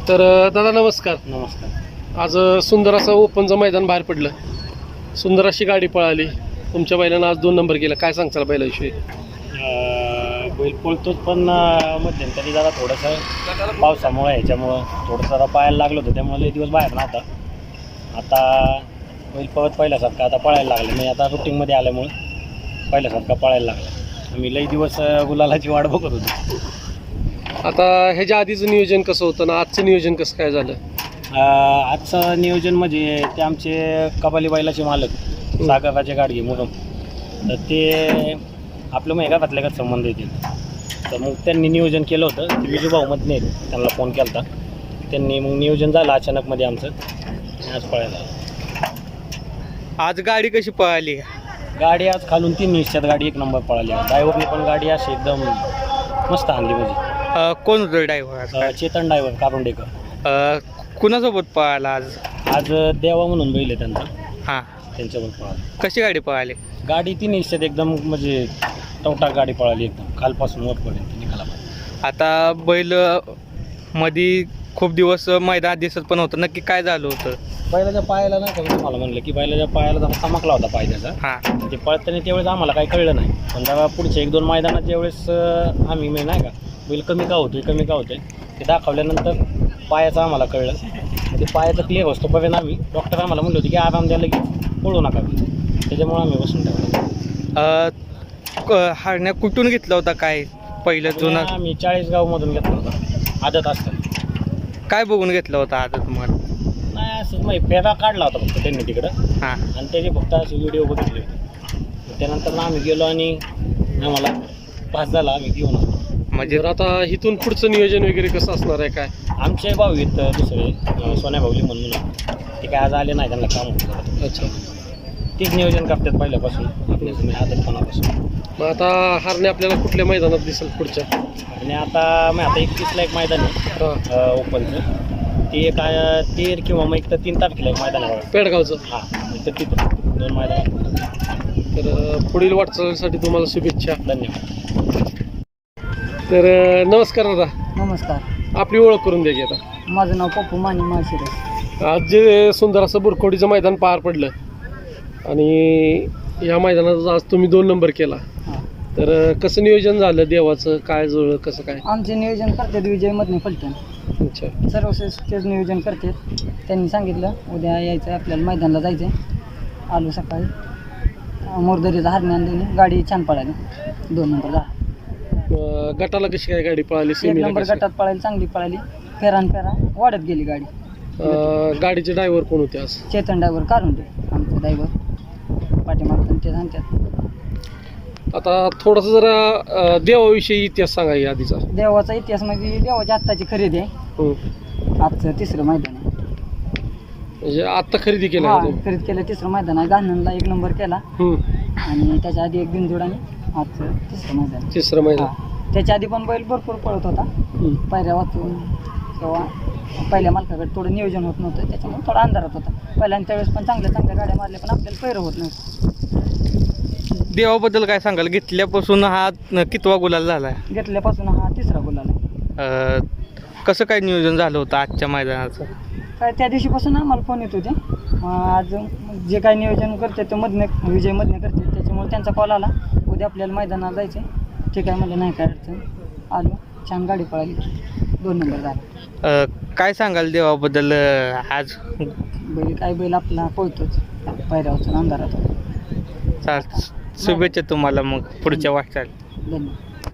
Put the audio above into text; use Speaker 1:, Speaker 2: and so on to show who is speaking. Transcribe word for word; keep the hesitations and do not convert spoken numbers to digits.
Speaker 1: तर अ, दादा नमस्कार.
Speaker 2: नमस्कार.
Speaker 1: आज अ, सुंदर असं ओपनचं मैदान बाहेर पडलं, सुंदर अशी गाडी पळाली. तुमच्या बैलानं आज दोन नंबर केला, काय सांगताल बैलाविषयी?
Speaker 2: अं, बैल पळतोच पण अं, मध्यंतरी जरा थोडंसं पावसामुळे ह्याच्यामुळं थोडंसं जरा पायाला लागलं होतं, त्यामुळे लई दिवस बाहेर नव्हता. आता बैल पळत पहिल्यासारखा आता पळायला लागलं, मी आता रुटीनमध्ये आल्यामुळं पहिल्यासारखा पळायला लागला. मी लई दिवस अं, गुलालाची वाट बघत होतो.
Speaker 1: आता ह्याच्या आधीचं नियोजन कसं होतं ना आजचं नियोजन कसं काय झालं?
Speaker 2: अं, आजचं नियोजन म्हणजे ते आमचे कबाली बैलाचे मालक सागराचे गाडगे म्हणून, तर ते आपलं मग एका घातल्या का संबंध येतील, तर मग त्यांनी नियोजन केलं होतं. ते विजू भाऊमध्ये नाही, त्यांना फोन केला होता, त्यांनी मग नियोजन झालं अचानकमध्ये आमचं, आज पळायला.
Speaker 3: आज गाडी कशी पळाली?
Speaker 2: गाडी आज खालून तीन निश्चित गाडी एक नंबर पळाली. ड्रायव्हरने पण गाडी अशी एकदम मस्त आणली. म्हणजे
Speaker 3: अ, कोण होतं ड्रायव्हर?
Speaker 2: अं, चेतन ड्रायव्हर कारुंडेकर.
Speaker 3: कुणासोबत पळाला आज?
Speaker 2: आज देवा म्हणून बैल आहे त्यांचा,
Speaker 3: हां,
Speaker 2: त्यांच्यावर पळाला.
Speaker 3: कशी गाडी पळाली?
Speaker 2: गाडी तीन निश्चित एकदम म्हणजे टवटाक गाडी पळाली, एकदम खालपासून वरपर्यंत निघाला.
Speaker 3: आता बैल मध्ये खूप दिवस मैदानात दिसत पण होतं, नक्की काय झालं होतं?
Speaker 2: बैलाच्या पायाला नाही का, मी तुम्हाला म्हणलं की बैलाच्या पायाला जरा चमकला होता पाय त्याचा.
Speaker 3: हां,
Speaker 2: ते पळताना त्यावेळेस आम्हाला काही कळलं नाही, पण जेव्हा पुढच्या एक दोन मैदानात ज्यावेळेस अं, आम्ही मी नाही का बैल कमी का होतोय कमी का होतोय ते दाखवल्यानंतर पायाचं आम्हाला कळलं. ते पायाचं क्लिअर असतोपर्यंत आम्ही डॉक्टर आम्हाला म्हणलं होतं की आराम द्यायला की पळू नका, त्याच्यामुळे आम्ही बसून
Speaker 3: अ, हरण्या कुठून घेतला होता काय पहिलं जुनं?
Speaker 2: टाकलं. आम्ही चाळीसगावमधून घेतलं होतं आदत असतं.
Speaker 3: काय बघून घेतलं होतं आता तुम्हाला?
Speaker 2: नाही असं मग फेरा काढला होता फक्त त्यांनी तिकडं,
Speaker 3: हां,
Speaker 2: आणि त्याचे फक्त असे व्हिडिओ बघितले होते. त्यानंतर आम्ही गेलो आणि आम्हाला पास झाला, आम्ही घेऊन आलो.
Speaker 3: म्हणजे
Speaker 1: तर आता इथून पुढचं नियोजन वगैरे कसं असणार आहे काय?
Speaker 2: आमचे भाऊ आहेत दुसरे अं, सोन्या भाऊली म्हणून, ते काय आज आले नाही, त्यांना काम होतं.
Speaker 1: अच्छा,
Speaker 2: तीच नियोजन करतात पहिल्यापासून आपल्या तुम्ही आदतपणापासून.
Speaker 1: मग आता हारणे आपल्याला कुठल्या मैदानात दिसेल पुढच्या?
Speaker 2: आणि आता मग आता एकतीसला एक मैदान आहे
Speaker 1: हां,
Speaker 2: अं, ओपनचं, ते काय तेर किंवा मग एक तर तीन तारखेला एक मैदान आहे.
Speaker 1: पेडगावचं.
Speaker 2: हां, तर तिथं दोन मैदान.
Speaker 1: तर अ, पुढील वाटचालीसाठी तुम्हाला शुभेच्छा.
Speaker 2: धन्यवाद.
Speaker 1: तर अ, नमस्कार दादा,
Speaker 4: नमस्कार.
Speaker 1: आपली ओळख करून द्या की आता.
Speaker 4: माझं नाव पप्पू माने माळशिरस.
Speaker 1: आज जे सुंदर असं बुरखोडीचं मैदान पार पडलं आणि या मैदानात आज तुम्ही दोन नंबर केला,
Speaker 4: हां.
Speaker 1: तर अ, कसं नियोजन झालं देवाचं, काय जुळलं कसं काय?
Speaker 4: आमचे नियोजन करतात विजय मधने फलटण,
Speaker 1: अच्छा,
Speaker 4: सर्वश्रेष्ठच नियोजन करतात. त्यांनी सांगितलं उद्या यायचं आहे आपल्याला, मैदानाला जायचं आहे. आलो सकाळी, मोरदरीचा हरणे आणली, गाडी छान पळाली, दोन नंबर झाला.
Speaker 1: अ, गटाला कशी काय गाडी पळाली?
Speaker 4: एक
Speaker 1: सेमीला
Speaker 4: नंबर
Speaker 1: कशी?
Speaker 4: गटात पळाली, चांगली पळाली. फेरान फेरा वाढत गेली गाडी.
Speaker 1: अ, गाडीचे ड्रायव्हर कोण होते आज?
Speaker 4: चेतन ड्रायव्हर काढून दे, आमचे ड्रायव्हर पाठीमागतात ते सांगतात.
Speaker 1: आता थोडंसं जरा अ, देवाविषयी इतिहास सांगा या आधीचा.
Speaker 4: देवाचा इतिहास म्हणजे देवाची आत्ताची खरेदी आहे.
Speaker 1: हं.
Speaker 4: आजचं तिसरं मैदान आहे.
Speaker 1: म्हणजे आत्ता खरेदी केलं
Speaker 4: हा,
Speaker 1: आहे तुम्ही?
Speaker 4: खरेदी केलं, तिसरं मैदान आहे. गाणनला एक नंबर केला
Speaker 1: हं.
Speaker 4: आणि त्याच्या आधी एक बिनजोड आणि आजचं तिसरं मैदान.
Speaker 1: तिसरं मैदान.
Speaker 4: हा. त्याच्या आधी पण बैल भरपूर पळत होता,
Speaker 1: हं.
Speaker 4: पायऱ्या वाचून किंवा पहिल्या मालकाकडे थोडं नियोजन होत नव्हतं, त्याच्यामुळे थोडा अंधारात होता. पहिल्यांदा त्यावेळेस पण चांगल्या चांगल्या गाड्या मारल्या, पण आपल्याला पैरं होत नव्हतं.
Speaker 3: देवाबद्दल काय सांगाल? घेतल्यापासून हा न- कितवा गुलाल झाला आहे?
Speaker 4: घेतल्यापासून हा तिसरा गुलाल आहे.
Speaker 3: अ, कसं काय नियोजन झालं होतं आजच्या मैदानाचं?
Speaker 4: काय त्या दिवशीपासून आम्हाला फोन येत होते, मग आज जे काय नियोजन करते ते मधने विजय मधने करते, त्याच्यामुळे त्यांचा कॉल आला उद्या आपल्याला मैदानाला जायचं आहे. ठीक आहे म्हणजे नाही काय अडचण. आलो, छान गाडी पळाली, दोन नंबर झाला.
Speaker 3: अ, काय सांगाल देवाबद्दल अ, आज?
Speaker 4: बैल काय बैल आपला पळतोच, पायऱ्या वाचून अंधारात होता.
Speaker 3: चाल शुभेच्छा तुम्हाला मग पुढच्या वाटचाल.
Speaker 4: धन्यवाद.